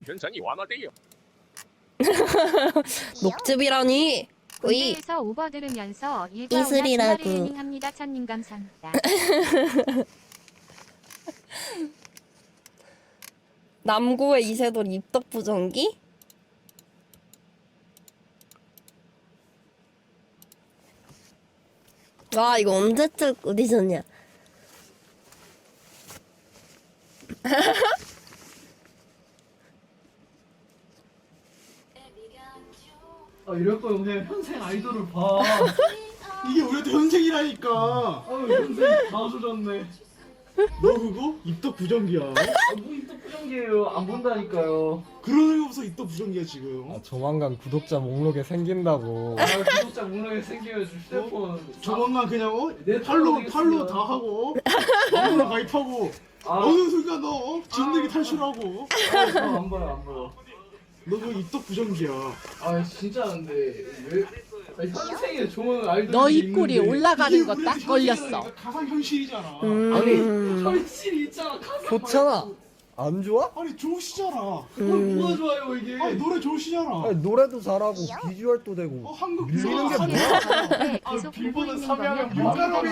현상이 완화돼요. 녹즙이라니. 으이. 군대에서 오버 들으면서 일과 이슬이라고. 오나 해닝합니다. 찬님 감사합니다. 남고의 이세돌 입덕 부정기? 와 이거 언제쯤 오디션이야? 아 이럴 거면 그냥 현생 아이돌을 봐. 이게 우리도 현생이라니까. 아 현생 다 조졌네. 너 그거 입덕 부정기야. 뭐 입덕 부정기예요. 안 본다니까요. 그러는 거부터 입덕 부정기야 지금. 아, 조만간 구독자 목록에 생긴다고. 아 구독자 목록에 생기면 휴대폰 조만간 그냥 내 팔로 되겠습니다. 다 하고 아무나 가입하고 아. 어느 순간 너 진득이 탈출하고. 안 봐요 안 봐요. 너 그거 입덕 부정기야. 아 진짜 근데 왜 현생에 좋은 아이돌이 너 입꼬리 있는데. 올라가는 거 이게 딱 우리한테 걸렸어. 현실이라니까. 가상 현실이잖아. 아니 현실이 있잖아. 가사 좋잖아. 안 좋아? 아니 좋으시잖아. 그걸 뭐가 좋아요 이게. 아니 노래 좋으시잖아. 아니, 노래도 잘하고 비주얼도 되고. 한국 밀리는 게 뷰가 뭐야? 네, 아, 계속 보고 빌보드 있는 삼양은 거면 밀가루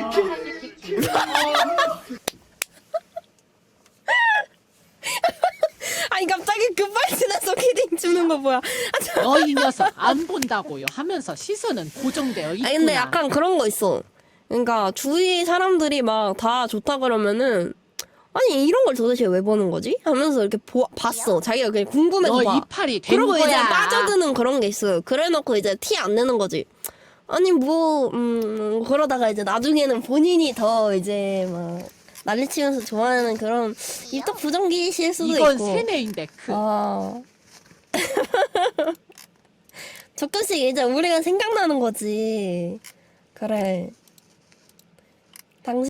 아니 갑자기 급발진해서 키딩 주는 거 뭐야? 아, 저... 너 이 녀석 안 본다고요 하면서 시선은 고정되어 있구나. 아니 근데 약간 그런 거 있어. 그러니까 주위 사람들이 막 다 좋다 그러면은 아니 이런 걸 도대체 왜 보는 거지? 하면서 이렇게 봤어. 자기가 그냥 궁금해서 너 봐. 이팔이 된 그리고 거야. 이제 빠져드는 그런 게 있어요. 그래놓고 이제 티 안 내는 거지. 아니 뭐 그러다가 이제 나중에는 본인이 더 이제 막 난리치면서 좋아하는 그런 입덕 부정기실 수도 이건 있고. 세뇌인데 그. 아. 조금씩 이제 우리가 생각나는 거지. 그래. 당신